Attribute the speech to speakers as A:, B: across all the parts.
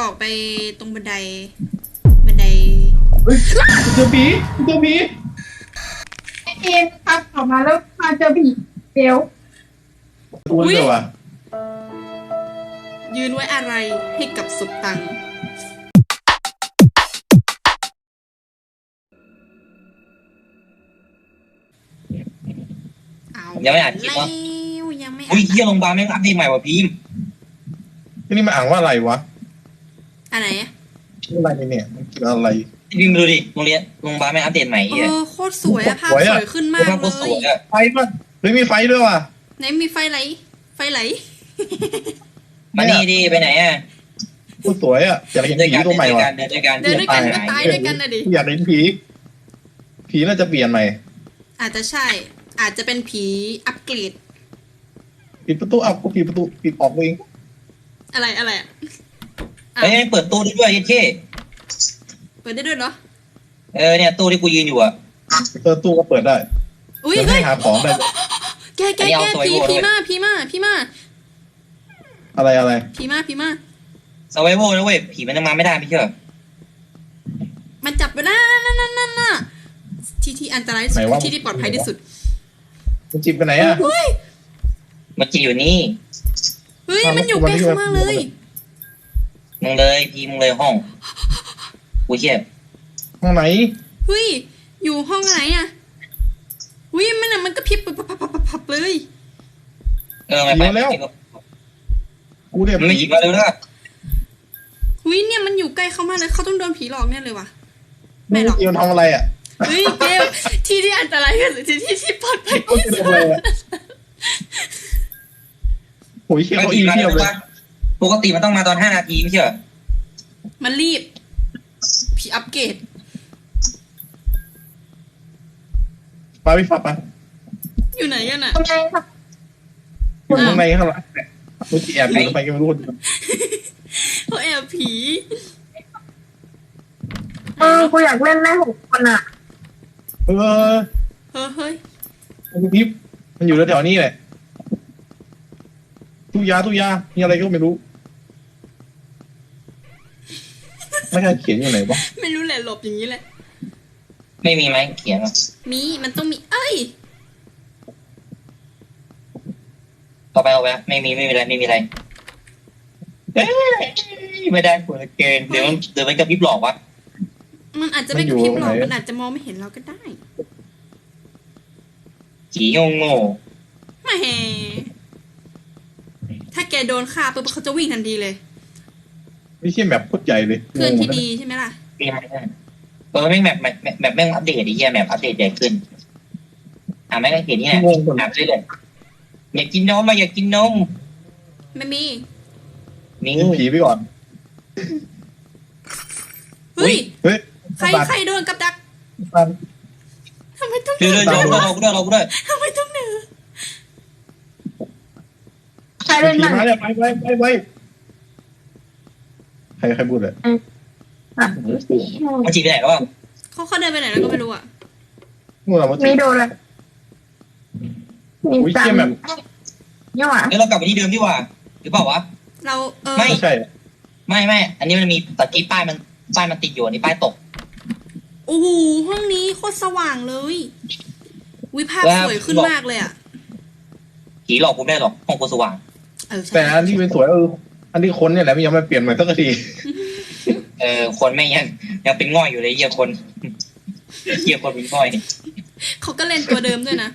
A: อกไปตรงบันได
B: เฮ้ยเจอผีเจอผี
C: เอ็นครับออกมาแล้วมาเจอผีเดี๋ยว
B: ตัวเดียวอ่ะ
A: ยืนไว้อะไรให้กับสุดตัง
D: ยังไม่อ่านคลิปวะ
A: ยังไม่
D: อุ้ยเที่ยโรงพยาบาลแม่งอัปเดตใหม่ว่ะพีม
B: ที่นี่มันอ่านว่าอะไรวะ
A: อะไร
B: อะไรเนี่ยมันคืออะไร
D: พีมดูดิโรงพยาบาลแม่งอัปเดตใหม่
A: โคตรสวยอะภาพสวยขึ้นมากเลย
B: ไฟป่ะเฮ้ยมีไฟด้วยว่ะ
A: ไหนมีไฟไหล
D: มานี่ดิไปไหนอ่ะ
B: โคตรสวยอ่ะอยากเห็นผีตัวใหม่ว่ะ
D: เดินด้วยกัน
A: ก็ตายด้วยกันนะดิ
B: อยากเห็นผีน่าจะเปลี่ยนใหม่
A: อาจจะใช่อาจจะเป็นผีอัปเกรด
B: ปิดประตูกูปิดประตูปิดออกเอง
A: อะไร
D: เฮ้ยเปิดตู้ได้ด้วยเท่
A: เปิดได้ด้วยเหรอ
D: เนี่ยตู้ที่กูยืนอยู่อ่ะ
B: ตู้ก็เปิดได้
A: อุ้ย
B: ให้หาของได้
A: แกผีมา
B: อะไร
A: ผีมา
D: สไวโวนะเว้ยผีมันยังมาไม่ได้ไม่เชื่อ
A: มันจับไปแล้วนั่นที่อันตรายสุดที่ปลอดภัยที่สุด
B: มันจิบไปไหนอ่ะ
D: มันจีอยู่นี่
A: เฮ้ยมันอยู่ใกล้เข้ามาเลย
D: มึงเลยพีมึงเลยห้องกูเชี่ย
B: ห้องไหน
A: เฮ้ยอยู่ห้องไหนอ่ะเฮ้ยมันก็พิบพับเลย
D: ไม่ไปแล้ว
B: กูเนี่ย
D: มันไม่จีบมาเลยนะ
A: เฮ้ยเนี่ยมันอยู่ใกล้เข้ามาเลยเขาต้องโดนผีหลอกแน่เลยว่ะไม่หรอก
B: มันทำอะไรอ่ะ
A: เฮ้ยเกลที่อันตรายที่สุดที่ปลอดภัยที่สุด
B: โอ้ยเชี่ยเขาอีเทียบเลย
D: ปกติมันต้องมาตอน5 นาทีไม่ใช่เหรอ
A: มันรีบผีอัปเกรด
B: ไปพี่ฝับไป
A: อยู่ไหนกันอ่ะ
C: ข้างในครับ
B: ข้างในข้างหลังกูแอบอยู่ไปก็ไม่รู้
A: เขาแอบผี
C: กูอยากเล่นแม่6 คนอ่ะ
A: เฮ้ย
B: มันพิบมันอยู่แถวนี้แหละตู้ยามีอะไรก็ไม่รู้ไม่ใช่เขียนอยู่ไหนวะ
A: ไม่รู้แหละหลบอย่างนี้แหละ
D: ไม่มีไหมเขียน
A: มีมันต้องมี
D: เอาไปไม่มีอะไรไม่ได้ผลเกณฑ์เดี๋ยวมันจะพิบหลอกวะ
A: มันอาจจะไม่กระพริบหรอกมันอาจจะมองไม่เห็นเราก็ได้
D: ผีโง่
A: ไม่ถ้าแกโดนฆ่าปุ๊บเขาจะวิ่งทันทีเลย
B: ไม่ใช่แบบโคตรใหญ่เลย
A: เพื่อนที่ดีใช่ไหมล่ะ
D: แม่งแบบแม่งอัปเดตไอ้เหี้ยแบบอัปเดตใหญ่ขึ้นแม่งก็เห็นนี่แหละไปเลยอยากกินนม
A: ไม่มี
B: ผีไปก่อน
A: เฮ้ยใครโดนกับดักทำไมต้อง
D: เดินเราด้วย
A: ทำไมต้องเหนือ
C: ใครเล่น
B: มาเนี่ยไปใครพูดเลย
D: มาจีไปไหนแล้ว
A: เขาเดินไปไหนแล้วก็ไม่รู้อ่ะ
C: มีโดนเลย
B: มีจัง
C: เนี่ยว่ะ
D: เรากลับไปที่เดิมดีกว่าหรือเปล่าวะ
A: เรา
B: ไม่ใช่
D: ไม่อันนี้มันมีตะกี้ป้ายมันติดอยู่นี่ป้ายตก
A: โอ้โหห้องนี้โคตรสว่างเลยวิภาพสวยขึ้นมากเลยอ่ะ
D: ผีหลอกผมได้หรอกห้องกูสว่าง
B: แต่อันที่เป็นสวยอันที่คนเนี่ยแหละยังไม่เปลี่ยนใหม่สักที
D: คนไม่ยังเป็นง่อยอยู่เลยเหี้ยคนเป็นง่อย
A: เขาก็เล่นตัวเดิมด้วยนะ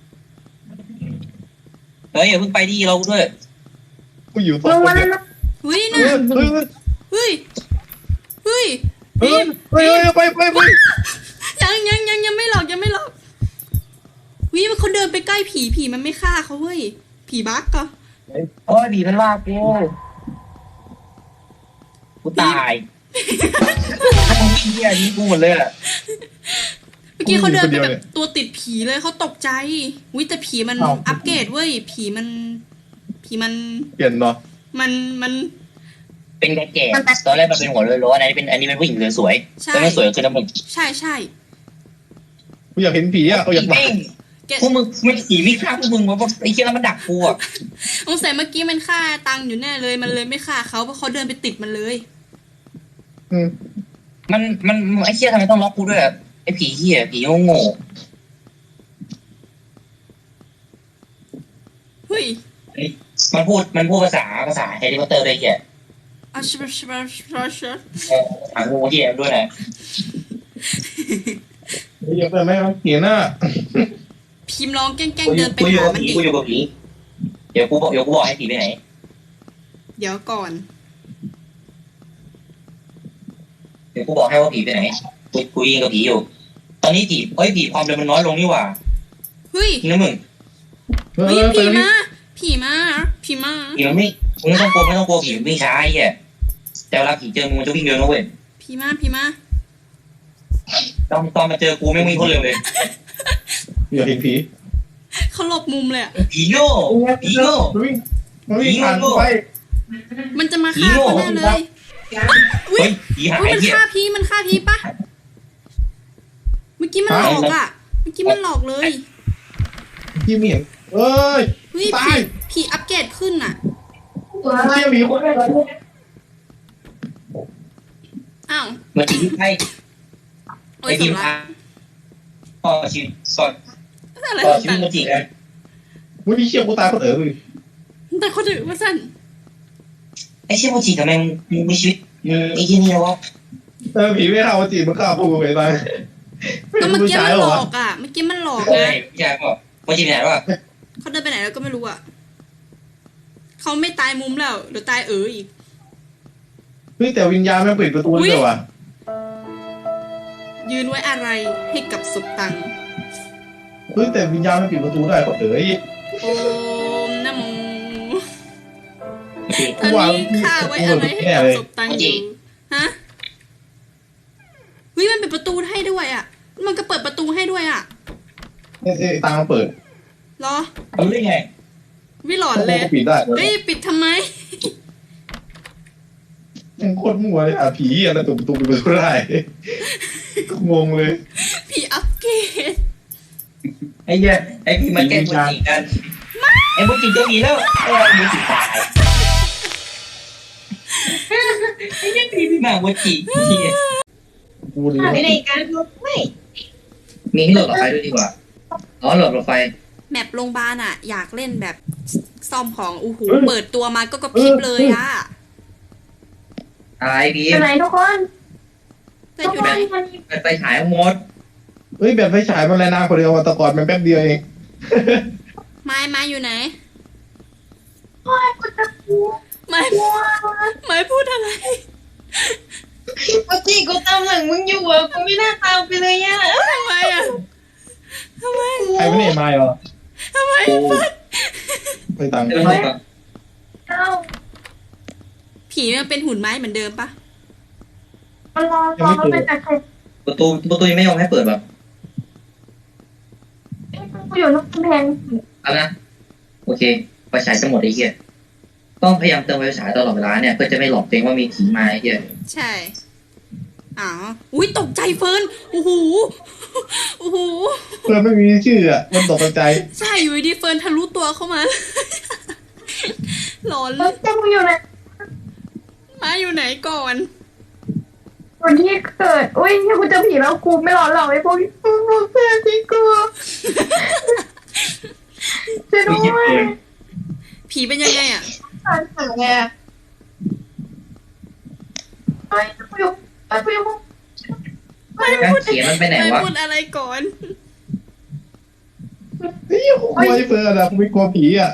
D: อย่าเพิ่งไปดิเราด้วย
B: กูอยู่ตรงนี้
A: เฮ้ยนะเฮ้ย
B: ไป
A: ยังไม่หลอกวิมันเขาเดินไปใกล้ผีมันไม่ฆ่าเขาเว้ยผีบั๊กก็
D: ผีมันว่ากูตายเหี้ยนี่กูหมดเลยอ่ะ
A: เมื่อกี้เขาเดินไปแบบตัวติดผีเลยเขาตกใจวิแต่ผีมันอัปเกรดเว้ยผีมัน
B: เปลี่ยนเนาะ
D: มันเป็นแก่ตอนแรกมันเป็นหัวโล้ๆอันนี้เป็นผู้หญิงสวยแต่ไม่สวยคือน้ำมัน
A: ใช่
B: กูอยากเห็นผีอ่ะอยาก
D: พวกมึงไม่ผีไม่ฆ่าพวกมึงวะไอ้เชี่ยแล้วมันดักกูอ่ะ
A: สงสัยเมื่อกี้มันฆ่าตังอยู่แน่เลยมันเลยไม่ฆ่าเขาเพราะเขาเดินไปติดมันเลย
B: อืม
D: มันไอ้เหี้ยทำไมต้องล็อกกูด้วยอะไอ้ผีเหี้ยผีโง่
A: เฮ้ย
D: ๆมันพูดภาษาแฮร์รี่พอตเตอร์ได้เหี้ย
A: อาชิบะชิบะชิบะชิบะ
D: ภาษางูเหี้ยด้วยนะ
B: เยอะไปไหมมันเขียนน่ะ
A: พิมพ์ลองแกล้งๆเดินไป
D: กูอยู่
A: หา
D: กับ
A: มัน
D: ผี
A: ดิ
D: กูอยู่กับผีเดี๋ยวกูบอกให้ผีไปไหน
A: เดี๋ยวก่อน
D: เดี๋ยวกูบอกให้ว่าผีไปไหนกูยิงกับผีอยู่ ตอนนี้ผีความเร็วมันน้อยลงนี่หว่า
A: เฮ้ย
D: จริงนะมึง
B: เอ
A: เฮ้ย
B: อ
A: ผีมาผีมาผีมา
D: ผีมันไม่ต้องกลัวผีมันวิ่งช้าไอ้เหี้ยแต่เวลาผีเจอมึงมันจะวิ่งเร็วนะเว้ย
A: ผีมา
D: ตอนมาเจอกูไม่งวิ่งโคตรเร็วเลย
B: อย่าเห็นผี
A: เขาหลบมุมเลยอะ
D: ผีโง่ผีโง่
B: มันวิ่งผ่านกูไป
A: มันจะมาฆ่าเขาแน่เลยอุ้ย
D: เฮ้ยผีหาย
A: มัน
D: ไอ้เหี้ย
A: ฆ่าพี่ปะเมื่อกี้มันหลอกอะเมื่อกี้มันหลอกเลย
B: พี่เหมียงเอ้ย
A: เฮ้ย
B: ตาย
A: ผีอัปเกรดขึ้นอะ
B: เชี่ยหมีคนแรกเลย
A: อ้าว
D: เหมือนผีที่ไพ่
A: โอ้
D: ไอ้
A: ย
D: ที
A: สำ
D: ม
A: ลั
D: พาก ต่อชีวิต
A: อะไร
D: ต่อ
A: ของ
D: ชีวิ
A: ตั
D: ต
A: ง
D: มาจีกัน
B: วันนี้เชี่ยกูตายคนเลย
A: แต่เขาถือว่าสั้น
D: ไอ้เชี่ยโมจิทำไมมึงมีชีวิตไอ้ที่นี่วะ
B: ผีไม่เข้าจีบมันเข้าพูไปตาย
A: ก็เมื่อกี้มันหล
B: วะ
A: อกอะเมื่อกี้มันหลอก
D: เฮ้
A: นะ
D: ยพี่ชายบอกโมจิไปไหนวะ
A: เขาเดินไปไหนแล้วก็ไม่รู้อะเขาไม่ตายมุมแล้วเดี๋ยวตายอีก
B: เฮ้ยแต่วิญญาณมันปิดประตูเลยว่ะ
A: ยืนไว้อะไรให้กับศพตัง
B: เฮ้ยแต่วิญญาณมันปิดประตูได้คนเอ๋ย
A: โอมนะโม
D: โอเค
A: ตอนนี้ข้าไว้อะไรให้กับศพตังอยู่ฮะเฮ้ยมันปิดประตูให้ด้วยอะมันก็เปิดประตูให้ด้วยอะ
B: เอ้ตางมันเปิด
A: เหรอ
D: รู้ได้ไง
A: วิหลอนเลย
B: ก็ปิดได้
A: เฮ้ยปิดทำไม
B: ยังโคตรมั่วเลยอ่ะผีอะไรตัวประตูปิดประตูได้งงเลย
A: ผีอัปเกรด
D: ไอ้เหี้ยไอ้พี่มาแก้โมจิกันไอ้โมจิเจอผีแล้วไอ้โมจิตายไอ้เหี้ยพี่มาโมจิ
B: กูดี
C: ไม่ได้การลบไม่
D: มีให้โหลดหลอดไฟด้วยดีกว่าอ๋อโหลดไฟ
A: แมปโรงพยาบาลอะอยากเล่นแบบซ่อมของอู้หูเปิดตัวมาก็กระพริบเลยอะ
D: อะไรพี่
C: อยู่ไหนทุกคน
A: แต่
C: ทุก
A: อยู่
C: ค
A: ไหน
C: นมัน
D: เปิดไฟฉายหมด
B: เฮ้ยแบบไฟฉายมันแรงนานคนเดียวแต่ก่อนมันแป๊บเดียวเอง
A: ไม้อยู่ไหน
C: โอ้ยกูจะกลัว
A: ไม้พูดอะไร
C: กูจีกูตามหลังมึงอยู่อ่ะกูไม่น่าตามไปเลยอ่ะ
A: ทำไมอะทำไม
B: ใครไม่ได้มาเหรอ
A: ทำไม
B: ไปตังค์
D: เดี๋ยวก่อน
C: เอ้า
A: ผีมันเป็นหุ่นไม้เหมือนเดิมปะ
C: มันรอมันเป็นแต่ใคร
D: ประตูยังไม่ยอมให้เปิดแบบ
C: กูอยู่นอกกำแพง
D: เอานะโอเคไฟฉายจะหมดไอ้เหี้ยต้องพยายามเติมไฟฉายตลอดเวลาเนี่ยเพื่อจะไม่หลอกตัวเองว่ามีผีมาไอ้เหี้ย
A: ใช่อ๋ออุ้ยตกใจเฟิร์นโอ้โหโอ้โห
B: เพื่อนไม่มีชื่ออ่ะมันตกใจ
A: ใช่อยู่ดีเฟิร์นทะลุตัวเข้ามา หลอน
C: แล้วจะมึงอยู่ไหน
A: ไม้อยู่ไหนก่อน
C: วันที่เกิดอุ้ยกูเจอผีแล้วกูไม่รอหรอกไอ้พวกเพื่อนที่กูจะด้วย
A: ผีเป็นยังไงอะ
C: อ่านหาไงไอ้กูอยู่ไอ้กูอยู่
D: การเขียนมันไปไหน
A: ไม่
D: วะ
A: พูดอะไรก่อน
B: เฮ้ยกูกลัวไอ้เฟิร์นอ่ะกูไม่กลัวผีอ่ะ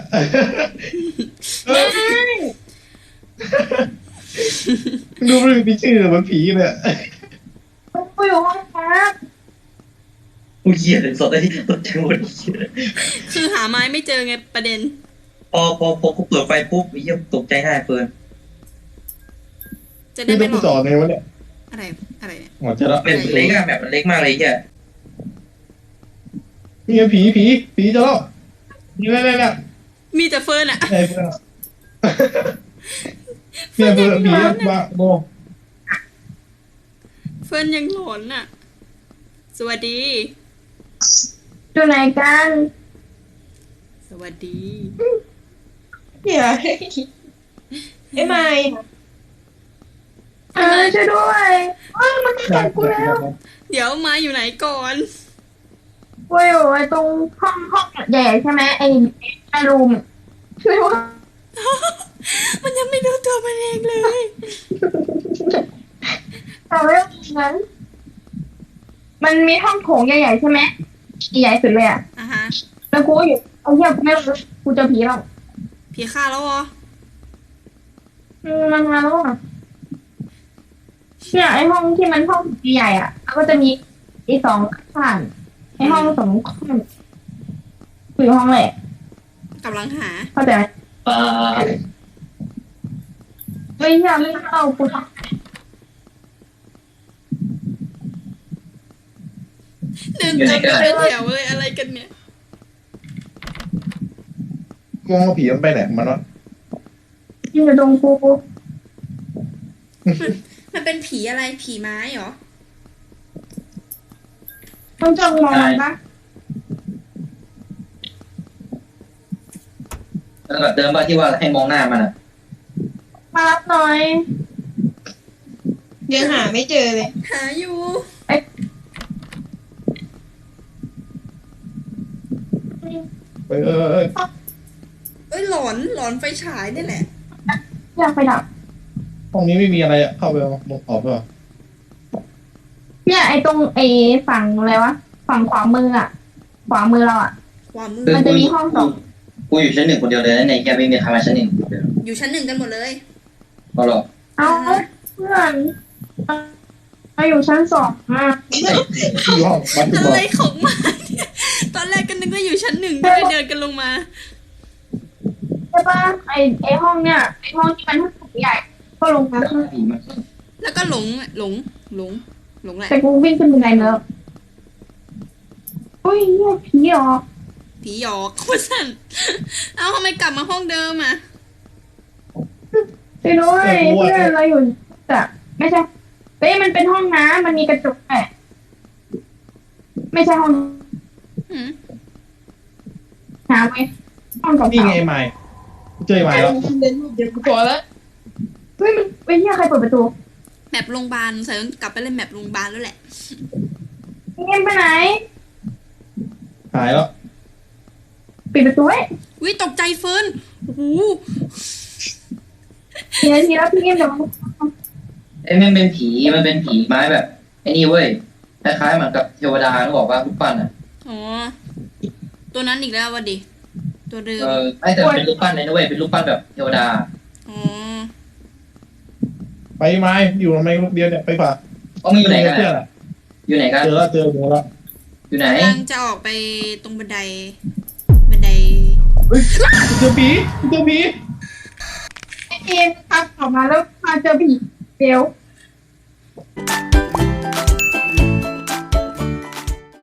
B: ดูไม่มีชื่อมันผีเนี่ย
C: กูอยู่ห้องพัก
D: กูเหี้ยถึงสดได้ที่ตกใจหมด
A: คือหาไม้ไม่เจอไงประเด็น
D: พอกูเปิดไฟปุ๊บไอ้เหี้ยตกใจได้เฟิร์น
A: จะได้
B: นี่ต้
A: ไม่
B: อง
A: หล
B: กู
A: อก
B: จอดไงวะเนี่ย
A: อะไรเนี่ย
B: หมดจะละ
D: เป็นเล็กอะแบบมันเล็กมากเลยไอ้เหี้ย
B: นี่ไงผีจะละนี่เนี่ย
A: มีแต่เฟิร์นอะ
B: ไอ้เฟิร์นเนี่ยเฟิร์นผีมาโบ
A: เฟิร์นยังหลอนอะสวัสดี
C: อยู่ไหนกัน
A: สวัสดี
C: เดี๋ยวไอ้ไม้
A: ทำอะไร
C: ช่วยด้วยมันจะกัดกูแล้ว
A: เดี๋ยวมาอยู่ไหนก่อน
C: โอ้ยไอ้ตรงห้องใหญ่ใช่ไหมไอ้รูมช่วยว่า
A: มันยังไม่รู้ตัวมันเองเลย
C: แต่ว่านั้นมันมีห้องโถงใหญ่ๆใช่ไหมใหญ่สุดเลยอ่ะ
A: อ่ะฮะ
C: แล้วกูก็อยู่เอาเหี้ยไม่รู้กูเจอผีแล้ว
A: ผีฆ่าแล้วเหรอ
C: มันมาแล้วอ่ะเนี่ยไอ้ห้องที่มันห้องใหญ่อ่ะแล้วก็จะมีไอ้สองข้างไอ้ห้องสองข้างอยู่ห้องแหละ
A: กำลังหา
C: เข้าใจไหม
D: ปลา
C: เฮ้ยอย่าไม่เอากูท
A: เดินตามกันเป็นแถวเลยอะไรกันเนี่ย
B: มองว่าผีมันไปไหนมันวะ
C: ำที่อยู่ตรงกู
A: มันเป็นผีอะไรผีไม้เหรอ
C: ต้องจ้องมองนะ
D: แล้วแบบเดิมป่ะที่ว่าให้มองหน้ามันอ่ะ
C: มารับหน่อย
E: ยังหาไม่เจอเลย
A: หาอยู่
B: เอ้ย
A: เอ้ยหลอนไฟฉายนี่แหละ
C: อยากไปดับ
B: ห้องนี้ไม่มีอะไรอะเข้าไปเอาลงออกไปก่อน
C: เนี่ยไอ้ตรงไอ้ฝั่งอะไรวะฝั่งขวามืออ่ะ ขวามือเราอ่ะ
A: ความมือ
C: มันจะมีห้องสอง
D: กูอยู่ชั้นหนึ่งคนเดียวเลยนะในแกไม่มีใครมาชั้นหนึ่งเดียว
A: อยู่ชั้นหนึ่งกันหมดเลย
D: ก็หรอก
C: เอาเพื่อนมาอยู่ชั้นสองอ่ะ
B: ที่ห้องบัตร
A: อะ
B: บอก
A: ไรของมันเนี่ย ตอนแรกก็นึกว่าอยู่ชั้นหนึ่งก็เลยเดินกันลงมา
C: ใช่ปะไอ้ห้องเนี่ยไอ้ห้องที่มันห้องใหญ่ ก็ลงมา
D: แต่ผีมัน
A: แล้วก็หลงแหละ
C: แต่กูวิ่งขึ้นบันไดแล้วอุ้ยเนี่ยผีเหรอ
A: ผีหยอกว่าสั่นเอ้าทำไมกลับมาห้องเดิมอ่ะ
C: ไปด้วยเพื่อนเราอยู่แต่ไม่ใช่เฮ้ยมันเป็นห้องน้ำมันมีกระจกแหละไม่ใช่ห้อง
A: หืม
C: น้ำไว้ห้องเก่า
B: นี่ไงไม้เจอไม้แล้ว
E: เดินเดี๋ยวกูพอแล้ว
C: ๆเฮ้ยมันเฮ้ยเนี่ยใครเปิดประตู
A: แมปโรงพยาบาลใส่ต้องกลับไปเล่นแมปโรงพยาบาลแล้วแหละ
C: เงียบไปไหน
B: หายแล้ว
C: ปิดประตูไว้
A: วิตกใจเฟิร์นโอ้โห
C: ทีนาทีแล้วพี่เงียบเดี๋ยวมัน
D: ไอ้มันเป็นผีไม้แบบไอ้นี่เว้ยคล้ายๆเหมือนกับเทวดาเขาบอกว่ารูปปั้นอ่ะ
A: อ๋อตัวนั้นอีกแล้ววะดิตัวเดิม
D: ไม่แต่เป็นรูปปั้นเลยนะเว้ยเป็นรูปปั้นแบบเทวดา
A: อ๋อ
B: ไปไม้อยู่ทำไมลูกเดียวเนี่ยไปฝาก
D: ก็มึงอยู่ไหนกัน
B: เพื่อน
D: อะ
B: อะ
D: อยู่ไหนกัน
B: เจอแล้ว
D: อยู่ไหน
A: กำลังจะออกไปตรงบันได
B: เฮ้ยเจอผี
C: ไอ้เอ็มทักออกมาแล้วมาเจอผีเดี๋ยว